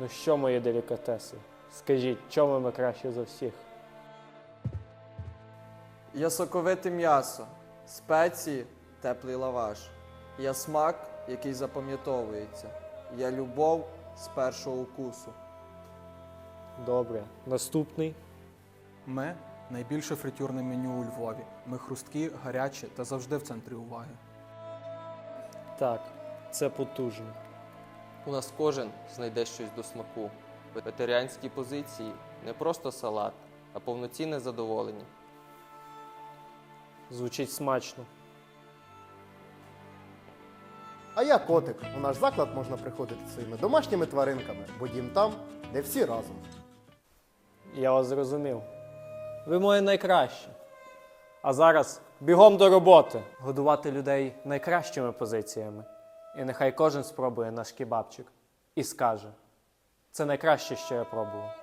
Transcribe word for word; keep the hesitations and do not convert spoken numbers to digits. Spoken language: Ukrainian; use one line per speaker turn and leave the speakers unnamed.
Ну що, мої делікатеси, скажіть, чому ми краще за всіх?
Я соковите м'ясо, спеції, теплий лаваш. Я смак, який запам'ятовується. Я любов з першого укусу.
Добре. Наступний.
Ми – найбільше фритюрне меню у Львові. Ми хрусткі, гарячі та завжди в центрі уваги.
Так, це потужно.
У нас кожен знайде щось до смаку. Вегетаріанські позиції – не просто салат, а повноцінне задоволення.
Звучить смачно.
А я котик. У наш заклад можна приходити зі своїми домашніми тваринками, бо дім там, де всі разом.
Я вас зрозумів. Ви моє найкраще. А зараз бігом до роботи. Годувати людей найкращими позиціями. І нехай кожен спробує наш кебабчик і скаже: це найкраще, що я пробував.